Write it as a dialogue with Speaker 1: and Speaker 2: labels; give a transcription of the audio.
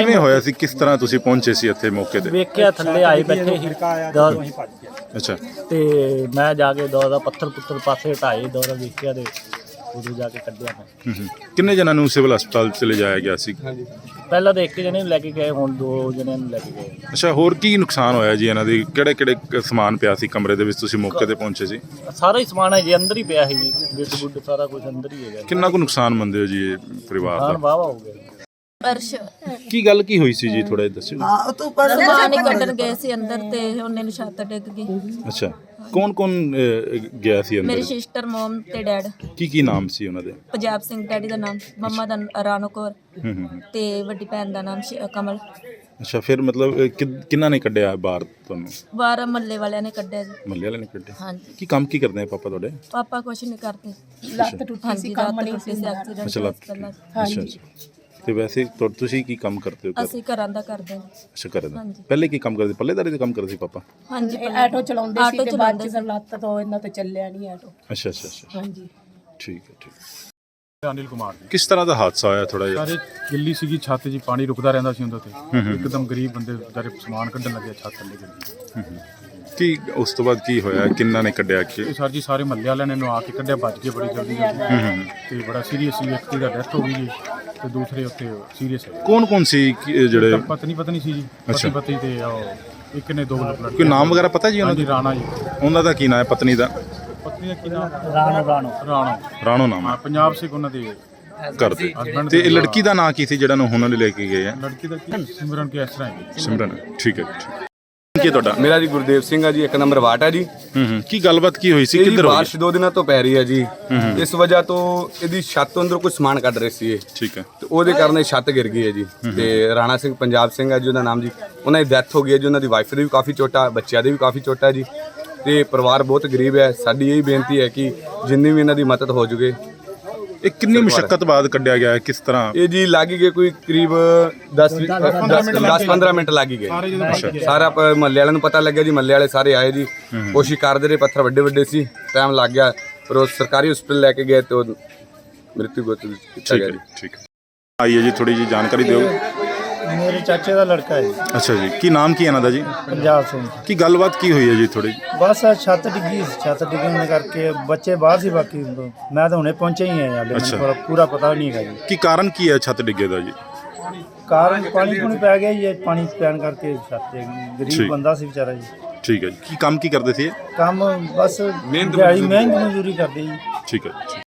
Speaker 1: ਕਿਵੇਂ ਹੋਇਆ ਸੀ, ਕਿਸ ਤਰ੍ਹਾਂ ਤੁਸੀਂ ਪਹੁੰਚੇ ਸੀ ਇੱਥੇ ਮੌਕੇ ਤੇ?
Speaker 2: ਵੇਖਿਆ ਥੱਲੇ ਆਏ ਬੈਠੇ ਸੀ
Speaker 1: ਅੱਛਾ,
Speaker 2: ਤੇ ਮੈਂ ਜਾ ਕੇ ਦੌੜਾ ਪੱਥਰ ਪੁੱਤਰ ਪਾਸੇ ਹਟਾਏ, ਦੌੜਾ ਵੇਖਿਆ ਤੇ ਉਦੋਂ ਜਾ ਕੇ ਕੱਢਿਆ ਮੈਂ।
Speaker 1: ਕਿੰਨੇ ਜਣਾਂ ਨੂੰ ਸਿਵਲ ਹਸਪਤਾਲ ਚ ਲਿਜਾਇਆ ਗਿਆ ਸੀ?
Speaker 2: ਪਹਿਲਾਂ ਤਾਂ ਇੱਕ ਜਣੇ ਨੂੰ ਲੈ ਕੇ ਗਏ, ਹੁਣ 2 ਜਣਿਆਂ ਨੂੰ ਲੈ ਕੇ ਗਏ।
Speaker 1: ਅੱਛਾ, ਹੋਰ ਕੀ ਨੁਕਸਾਨ ਹੋਇਆ ਜੀ ਇਹਨਾਂ ਦੀ? ਕਿਹੜੇ ਕਿਹੜੇ ਸਮਾਨ ਪਿਆ ਸੀ ਕਮਰੇ ਦੇ ਵਿੱਚ, ਤੁਸੀਂ ਮੌਕੇ ਤੇ ਪਹੁੰਚੇ ਸੀ?
Speaker 2: ਸਾਰਾ ਹੀ ਸਮਾਨ ਹੈ ਜੀ ਅੰਦਰ ਹੀ ਪਿਆ ਸੀ ਜੀ, ਬਿੱਡ ਬੁੱਡ ਸਾਰਾ ਕੁਝ ਅੰਦਰ ਹੀ ਹੈਗਾ।
Speaker 1: ਕਿੰਨਾ ਕੁ ਨੁਕਸਾਨ ਮੰਨਦੇ ਹੋ ਜੀ ਇਹ ਪਰਿਵਾਰ
Speaker 2: ਹਾਂ
Speaker 1: ਦਾ?
Speaker 2: ਵਾਵਾ ਹੋ ਗਿਆ।
Speaker 3: ਅਰਸ਼
Speaker 1: ਕੀ ਗੱਲ ਕੀ ਹੋਈ ਸੀ ਜੀ, ਥੋੜਾ ਜਿਹਾ ਦੱਸਿਓ।
Speaker 3: ਸਮਾਨ ਹੀ ਕੱਢਣ ਗਏ ਸੀ ਅੰਦਰ ਤੇ ਉਹਨੇ ਨੂੰ ਛੱਤ ਡਿੱਗ ਗਈ।
Speaker 1: ਅੱਛਾ, ਕੌਣ ਕੌਣ ਗਿਆ ਸੀ
Speaker 3: ਮੇਰੀ
Speaker 1: ਅੰਦਰ?
Speaker 3: ਸਿਸਟਰ, ਮਮ ਤੇ ਡੈਡ।
Speaker 1: ਕੀ ਨਾਮ ਸੀ ਉਹਨਾਂ ਦੇ?
Speaker 3: ਪੰਜਾਬ ਸਿੰਘ ਡੈਡੀ ਦਾ ਨਾਮ, ਮੰਮਾ ਦਾ ਰਾਣੋ ਕੌਰ
Speaker 1: ਹੂੰ।
Speaker 3: ਤੇ ਵੱਡੀ ਭੈਣ ਦਾ ਨਾਮ ਕਮਲ।
Speaker 1: ਅੱਛਾ, ਫਿਰ ਮਤਲਬ ਕਿੰਨਾ ਨੇ ਕੱਢਿਆ ਬਾਹਰ ਤੁਹਾਨੂੰ?
Speaker 3: ਬਾਹਰ ਮੱਲੇ ਵਾਲਿਆਂ ਨੇ ਕੱਢਿਆ ਜੀ।
Speaker 1: ਮੱਲੇ ਵਾਲੇ ਨੇ ਕੱਢਿਆ?
Speaker 3: ਹਾਂਜੀ।
Speaker 1: ਕੀ ਕੰਮ ਕੀ ਕਰਦੇ ਆ ਪਾਪਾ ਤੁਹਾਡੇ?
Speaker 3: ਪਾਪਾ ਕੁਛ ਨਹੀਂ ਕਰਦੇ, ਲੱਤ ਟੁੱਟੀ ਸੀ, ਕੰਮ ਨਹੀਂ ਸੀ, ਐਕਸੀਡੈਂਟ
Speaker 1: ਅੱਛਾ, ਅੱਛਾ। ਤੇ ਵੈਸੇ ਤੁਸੀਂ ਕੀ ਕੰਮ ਕਰਦੇ ਹੋ?
Speaker 3: ਅਸੀਂ ਘਰਾਂ ਦਾ ਕਰਦੇ ਹਾਂ।
Speaker 1: ਅੱਛਾ, ਕਰਦੇ। ਪਹਿਲੇ ਕੀ ਕੰਮ ਕਰਦੇ? ਪੱਲੇਦਾਰੀ ਦਾ ਕੰਮ ਕਰਦੇ ਸੀ ਪਾਪਾ?
Speaker 3: ਹਾਂਜੀ,
Speaker 4: ਆਟੋ ਚਲਾਉਂਦੇ ਸੀ ਤੇ ਬਾਅਦ ਚ ਲੱਤ ਤੋਂ ਇਹਨਾਂ ਤੋਂ ਚੱਲਿਆ ਨਹੀਂ ਆਟੋ।
Speaker 1: ਅੱਛਾ ਅੱਛਾ ਅੱਛਾ,
Speaker 4: ਹਾਂਜੀ,
Speaker 1: ਠੀਕ ਹੈ, ਠੀਕ।
Speaker 5: ਅਨਿਲ ਕੁਮਾਰ ਜੀ।
Speaker 1: ਕਿਸ ਤਰ੍ਹਾਂ ਦਾ ਹਾਦਸਾ ਹੋਇਆ ਥੋੜਾ ਜਿਹਾ?
Speaker 5: ਸਾਰੇ ਗਿੱਲੀ ਸੀਗੀ ਛੱਤ ਜੀ, ਪਾਣੀ ਰੁਕਦਾ ਰਹਿੰਦਾ ਸੀ ਉਹਦੇ ਤੇ, ਇੱਕਦਮ ਗਰੀਬ ਬੰਦੇ ਵਿਚਾਰੇ ਸਮਾਨ ਕੱਢਣ ਲੱਗੇ, ਛੱਤ ਥੱਲੇ ਗਿਰ ਗਈ।
Speaker 1: ਕੀ ਉਸ ਤੋਂ ਬਾਅਦ ਕੀ ਹੋਇਆ, ਕਿੰਨਾ ਨੇ ਕੱਢਿਆ ਕਿ?
Speaker 5: ਇਹ ਸਰ ਜੀ ਸਾਰੇ ਮਹੱਲੇ ਵਾਲਿਆਂ ਨੇ ਆ ਕੇ ਕੱਢਿਆ, ਭੱਜ ਗਏ ਬੜੀ ਜਲਦੀ ਤੇ ਬੜਾ ਸੀਰੀਅਸ ਸੀ। ਇੱਕ ਦੀ ਡੈਥ ਹੋ ਗਈ ਜੀ ਤੇ ਦੂਸਰੇ ਉੱਤੇ ਸੀਰੀਅਸ ਹੈ।
Speaker 1: ਕੌਣ ਕੌਣ ਸੀ ਜਿਹੜੇ?
Speaker 5: ਪਤਨੀ ਸੀ ਜੀ, ਪਤੀ ਤੇ ਇੱਕ ਨੇ 2 ਲੜਕੇ।
Speaker 1: ਕੋਈ ਨਾਮ ਵਗੈਰਾ ਪਤਾ ਜੀ ਉਹਨਾਂ
Speaker 5: ਦੀ? ਰਾਣਾ ਜੀ।
Speaker 1: ਉਹਨਾਂ ਦਾ ਕੀ ਨਾਮ ਹੈ? ਪਤਨੀ ਦਾ?
Speaker 5: ਪਤਨੀ ਦਾ ਕੀ ਨਾਮ?
Speaker 2: ਰਾਣੋ
Speaker 1: ਰਾਣੋ ਨਾਮ ਹੈ।
Speaker 5: ਪੰਜਾਬ ਸਿੰਘ ਉਹਨਾਂ ਦੇ
Speaker 1: ਕਰਦੇ। ਤੇ ਇਹ ਲੜਕੀ ਦਾ ਨਾਂ ਕੀ ਸੀ ਜਿਹੜਾ ਨੂੰ ਉਹਨਾਂ ਨੇ ਲੈ ਕੇ ਗਏ ਆ?
Speaker 5: ਲੜਕੀ ਦਾ ਕੀ? ਸਿਮਰਨ ਕੇ ਇਸ ਤਰ੍ਹਾਂ ਹੈ।
Speaker 1: ਸਿਮਰਨ, ਠੀਕ ਹੈ ਜੀ। ਕੀ ਤੁਹਾਡਾ?
Speaker 6: ਮੇਰਾ ਜੀ ਗੁਰਦੇਵ ਸਿੰਘ ਆ ਜੀ, 1 ਨੰਬਰ ਵਾਟ ਆ ਜੀ।
Speaker 1: ਕੀ ਗੱਲਬਾਤ ਕੀ ਹੋਈ ਸੀ,
Speaker 6: ਇਹ ਜੀ
Speaker 1: ਕਿੱਧਰ ਹੋਈ?
Speaker 6: ਬਾਰਿਸ਼ 2 ਦਿਨਾਂ ਤੋਂ ਪੈ ਰਹੀ ਹੈ ਜੀ। ਇਸ ਵਜ੍ਹਾ ਤੋਂ ਇਹਦੀ ਛੱਤ ਤੋਂ ਅੰਦਰ ਕੋਈ ਸਮਾਨ ਕੱਢ ਰਹੇ ਸੀ ਇਹ,
Speaker 1: ਠੀਕ ਹੈ।
Speaker 6: ਤੇ ਉਹਦੇ ਕਾਰਨ ਇਹ ਛੱਤ ਗਿਰ ਗਈ ਹੈ ਜੀ। ਤੇ ਰਾਣਾ ਸਿੰਘ, ਪੰਜਾਬ ਸਿੰਘ ਆ ਜੀ ਉਹਦਾ ਨਾਮ ਜੀ, ਉਹਨਾਂ ਦੀ ਡੈਥ ਹੋ ਗਈ ਹੈ ਜੀ। ਉਹਨਾਂ ਦੀ ਵਾਈਫ ਦੀ ਵੀ ਕਾਫੀ ਚੋਟਾ, ਬੱਚਿਆਂ ਦੇ ਵੀ ਕਾਫੀ ਚੋਟਾ ਜੀ। ਤੇ ਪਰਿਵਾਰ ਬਹੁਤ ਗਰੀਬ ਹੈ। ਸਾਡੀ ਇਹ ਬੇਨਤੀ ਹੈ ਕਿ ਜਿੰਨੀ ਵੀ ਇਹਨਾਂ ਦੀ ਮਦਦ ਹੋ ਜੂਗੇ।
Speaker 1: ਇਹ ਕਿੰਨੀ ਮੁਸ਼ਕਲ ਬਾਅਦ ਕੱਢਿਆ ਗਿਆ ਹੈ, ਕਿਸ ਤਰ੍ਹਾਂ?
Speaker 6: ਇਹ ਜੀ ਲੱਗ ਗਏ ਕੋਈ ਕਰੀਬ 10-15 ਮਿੰਟ ਲੱਗ ਗਏ। ਸਾਰਾ ਮਹੱਲੇ ਵਾਲਿਆਂ ਨੂੰ ਪਤਾ ਲੱਗਿਆ ਜੀ, ਮਹੱਲੇ ਵਾਲੇ ਸਾਰੇ ਆਏ ਜੀ, ਕੋਸ਼ਿਸ਼ ਕਰਦੇ ਰਹੇ, ਪੱਥਰ ਵੱਡੇ ਵੱਡੇ ਸੀ, ਟਾਈਮ ਲੱਗ ਗਿਆ, ਪਰ ਉਹ ਸਰਕਾਰੀ ਹਸਪਤਾਲ ਲੈ ਕੇ ਗਏ ਤੇ ਉਹ ਮ੍ਰਿਤੂ ਗੋਤ ਕੀਤਾ ਗਿਆ ਜੀ।
Speaker 1: ਠੀਕ ਹੈ, ਆਈਏ ਜੀ, ਥੋੜੀ ਜੀ ਜਾਣਕਾਰੀ ਦਿਓ।
Speaker 2: ਮੇਰੇ ਚਾਚੇ ਦਾ ਲੜਕਾ ਹੈ।
Speaker 1: ਅੱਛਾ ਜੀ, ਕੀ ਨਾਮ ਕੀ ਇਹਨਾਂ ਦਾ ਜੀ?
Speaker 2: ਪੰਜਾਬ ਸਿੰਘ।
Speaker 1: ਕੀ ਗੱਲਬਾਤ ਕੀ ਹੋਈ ਹੈ ਜੀ ਥੋੜੀ?
Speaker 2: ਬਸ ਛੱਤ ਡਿੱਗੀ, ਛੱਤ ਡਿੱਗਣ ਕਰਕੇ ਬੱਚੇ ਬਾਹਰ ਸੀ, ਬਾਕੀ ਮੈਂ ਤਾਂ ਹੁਣੇ ਪਹੁੰਚੇ ਹੀ ਹਾਂ, ਹਾਲੇ ਮੈਨੂੰ ਪੂਰਾ ਪਤਾ ਨਹੀਂ ਹੈਗਾ ਜੀ।
Speaker 1: ਕੀ ਕਾਰਨ ਕੀ ਹੈ ਛੱਤ ਡਿੱਗੇ ਦਾ ਜੀ?
Speaker 2: ਕਾਰਨ ਪਾਣੀ ਪੂਣੀ ਪੈ ਗਿਆ ਜੀ, ਪਾਣੀ ਪੈਣ ਕਰਕੇ ਛੱਤ ਗਰੀਬ ਬੰਦਾ ਸੀ ਵਿਚਾਰਾ ਜੀ।
Speaker 1: ਠੀਕ ਹੈ ਜੀ। ਕੀ ਕੰਮ ਕੀ ਕਰਦੇ ਸੀ ਇਹ?
Speaker 2: ਕੰਮ ਬਸ ਮਿਹਨਤ ਮਜ਼ਦੂਰੀ ਕਰਦੇ ਜੀ।
Speaker 1: ਠੀਕ ਹੈ।